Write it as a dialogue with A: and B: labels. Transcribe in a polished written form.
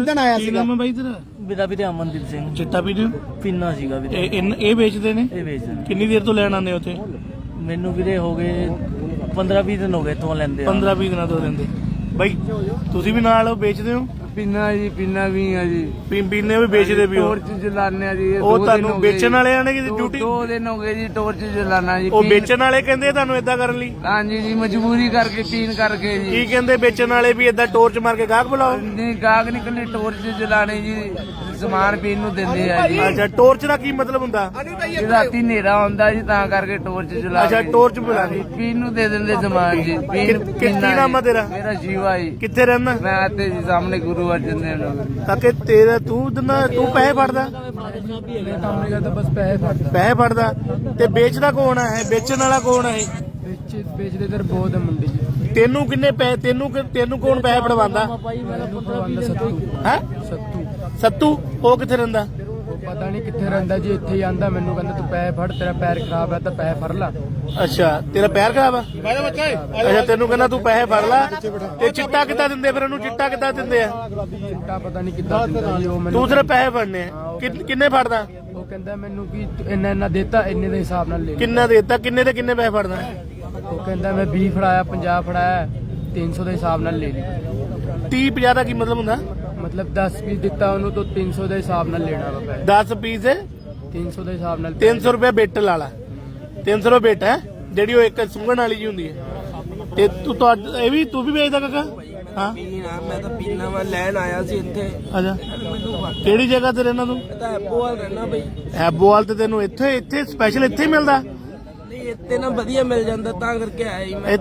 A: ਕਿੱਦਣ ਆਇਆ
B: ਕੀ
A: ਸੀਗਾ?
B: ਨਾਮ ਹੈ ਬਾਈ ਤੇਰਾ?
C: ਮੇਰਾ ਵੀਰੇ ਅਮਨਦੀਪ ਸਿੰਘ
B: ਚਿੱਟਾ ਪੀਣ
C: ਪਿੰਨਾ ਸੀਗਾ ਵੀਰੇ।
B: ਇਹ ਵੇਚਦੇ ਨੇ?
C: ਇਹ ਵੇਚਦੇ।
B: ਕਿੰਨੀ ਦੇਰ ਤੋਂ ਲੈਣ ਆਉਂਦੇ ਉੱਥੇ?
C: ਮੈਨੂੰ ਵੀਰੇ ਹੋ ਗਏ 15-20 ਦਿਨ ਹੋ ਗਏ ਇੱਥੋਂ ਲੈਂਦੇ।
B: 15-20 ਦਿਨਾਂ ਤੋਂ ਲੈਂਦੇ। ਬਾਈ ਤੁਸੀਂ ਵੀ ਨਾਲ ਵੇਚਦੇ ਹੋ?
D: ਪੀਨਾ ਜੀ, ਪੀਨਾ ਵੀ ਆ ਜੀ,
B: ਪੀਨੇ ਵੀ ਵੇਚਦੇ ਵੀ ਹੋ?
D: ਟੋਰਚ ਜਲਾਨੇ ਆ ਜੀ।
B: ਉਹ ਤੁਹਾਨੂੰ ਵੇਚਣ ਵਾਲੇ ਆਣੇ ਕਿ ਡਿਊਟੀ?
D: 2 ਦਿਨ ਹੋ ਗਏ ਜੀ ਟੋਰਚ ਜਲਾਨਾ ਜੀ।
B: ਉਹ ਵੇਚਣ ਵਾਲੇ ਕਹਿੰਦੇ ਤੁਹਾਨੂੰ ਏਦਾਂ ਕਰਨ ਲਈ?
D: ਹਾਂਜੀ ਜੀ, ਮਜਬੂਰੀ ਕਰਕੇ ਪੀਣ ਕਰਕੇ ਜੀ।
B: ਕੀ ਕਹਿੰਦੇ ਵੇਚਣ ਵਾਲੇ ਵੀ ਏਦਾਂ ਟੋਰਚ ਮਾਰ ਕੇ ਗਾਹਕ ਬੁਲਾਓ?
D: ਨਹੀਂ, ਗਾਹਕ ਨਹੀਂ ਕੱਲੇ ਟੋਰਚ ਜਲਾਣੇ ਜੀ, ਸਮਾਨ ਪੀਣ ਨੂੰ ਦਿੰਦੇ ਆ ਜੀ।
B: ਅੱਛਾ, ਟੋਰਚ ਦਾ ਕੀ ਮਤਲਬ ਹੁੰਦਾ?
D: ਜੀ ਰਾਤੀ ਹਨੇਰਾ ਹੁੰਦਾ ਜੀ, ਤਾਂ ਕਰਕੇ ਟੋਰਚ ਜਲਾ
B: ਅੱਛਾ,
D: ਕੇ
B: ਟੋਰਚ ਬੁਲਾਣੀ।
D: ਪੀਣ ਨੂੰ ਦੇ ਦਿੰਦੇ ਸਮਾਨ ਜੀ। ਪੀਣ
B: ਕੀ ਨਾਮ ਆ ਤੇਰਾ?
D: ਮੇਰਾ ਜੀਵਾ ਜੀ।
B: ਕਿੱਥੇ ਰਹਿੰਦਾ?
D: ਮੈਂ ਆਤੇ ਜੀ ਸਾਹਮਣੇ ਗੁਰੂ ਅਰਜਨ ਦੇਵ ਨਗਰ।
B: ਕਾਕੇ ਤੇਰਾ ਤੂੰ ਪੈਸੇ ਫੜਦਾ?
D: ਮੈਂ ਕੰਮ ਨਹੀਂ ਕਰਦਾ, ਬਸ ਪੈਸੇ ਫੜਦਾ।
B: ਪੈਸੇ ਫੜਦਾ ਤੇ ਵੇਚਦਾ ਕੌਣ ਹੈ? ਵੇਚਣ ਵਾਲਾ ਕੌਣ ਹੈ?
D: ਵੇਚਦੇ ਇਧਰ ਬਹੁਤ ਮੰਡੀ ਜੀ।
B: ਤੈਨੂੰ ਕਿੰਨੇ ਪੈਸੇ ਤੈਨੂੰ ਕੌਣ ਪੈਸੇ ਫੜਵਾਉਂਦਾ ਹੈ? ਸੱਤੂ ਉਹ ਕਿੱਥੇ ਰਹਿੰਦਾ?
D: ਪਤਾ ਨਹੀਂ ਕਿੱਥੇ ਰਹਿੰਦਾ ਜੀ, ਇੱਥੇ ਹੀ ਆਂਦਾ ਮੈਨੂੰ, ਕਹਿੰਦਾ ਤੂੰ ਪੈਸੇ ਫੜ, ਤੇਰਾ ਪੈਰ ਖਰਾਬ ਹੈ ਤਾਂ ਪੈਸੇ ਫੜ ਲਾ।
B: ਅੱਛਾ, ਤੇਰਾ ਪੈਰ ਖਰਾਬ ਆ? ਅੱਛਾ, ਤੈਨੂੰ ਕਹਿੰਦਾ ਤੂੰ ਪੈਸੇ ਫੜ ਲਾ। ਤੇ ਚਿੱਟਾ ਕਿੱਦਾਂ ਦਿੰਦੇ ਫਿਰ ਉਹਨੂੰ? ਚਿੱਟਾ ਕਿੱਦਾਂ ਦਿੰਦੇ ਆ?
D: ਚਿੱਟਾ ਪਤਾ ਨਹੀਂ ਕਿੱਦਾਂ ਦਿੰਦਾ ਜੀ ਉਹ ਮੈਨੂੰ।
B: ਤੂੰ ਸਿਰਫ ਪੈਸੇ ਫੜਨੇ ਆ? ਕਿੰਨੇ ਫੜਦਾ?
D: ਉਹ ਕਹਿੰਦਾ ਮੈਨੂੰ ਕਿ ਇੰਨਾ ਦੇਤਾ, ਇੰਨੇ ਦੇ ਹਿਸਾਬ ਨਾਲ ਲੈ।
B: ਕਿੰਨਾ ਦੇਤਾ? ਕਿੰਨੇ ਦੇ ਕਿੰਨੇ ਪੈਸੇ ਫੜਦਾ?
D: ਉਹ ਕਹਿੰਦਾ ਮੈਂ 20 ਫੜਾਇਆ, 50 ਫੜਾਇਆ, 300 ਦੇ ਹਿਸਾਬ ਨਾਲ ਲੈ ਲਈ।
B: 30-50 ਦਾ ਕੀ ਮਤਲਬ ਹੁੰਦਾ?
D: ਮਤਲਬ 10 ਪੀਸ ਦਿੱਤਾ ਉਹਨੂੰ ਤਾਂ 300 ਦੇ ਹਿਸਾਬ ਨਾਲ ਲੈਣਾ ਵਾ ਪੈਸੇ।
B: 10 ਪੀਸ
D: 300 ਦੇ ਹਿਸਾਬ ਨਾਲ।
B: 300 ਰੁਪਏ ਬਿੱਟ ਲਾ ਲਾ। 300 ਰੁਪਏ ਬਿੱਟ ਹੈ ਜਿਹੜੀ ਉਹ ਇੱਕ ਸੁੰਘਣ ਵਾਲੀ ਜੀ ਹੁੰਦੀ ਹੈ। ਤੇ ਇਹ ਵੀ ਤੂੰ ਵੀ ਵੇਚਦਾ ਕਾਕਾ? ਹਾਂ,
E: ਮੈਂ ਤਾਂ ਪੀਣਾ ਵਾ ਲੈਣ ਆਇਆ ਸੀ ਇੱਥੇ।
B: ਅੱਛਾ, ਕਿਹੜੀ ਜਗ੍ਹਾ ਤੇ ਰਹਿਣਾ ਤੂੰ?
E: ਮੈਂ ਤਾਂ ਐਬੋਵਾਲ ਰਹਿਣਾ ਬਈ।
B: ਐਬੋਵਾਲ ਤੇ ਤੈਨੂੰ ਇੱਥੇ ਸਪੈਸ਼ਲ ਇੱਥੇ ਹੀ ਮਿਲਦਾ?
E: ਨਹੀਂ, ਇੱਥੇ ਨਾ ਵਧੀਆ ਮਿਲ ਜਾਂਦਾ, ਤਾਂ ਕਰਕੇ ਆਇਆ ਹੀ ਮੈਂ।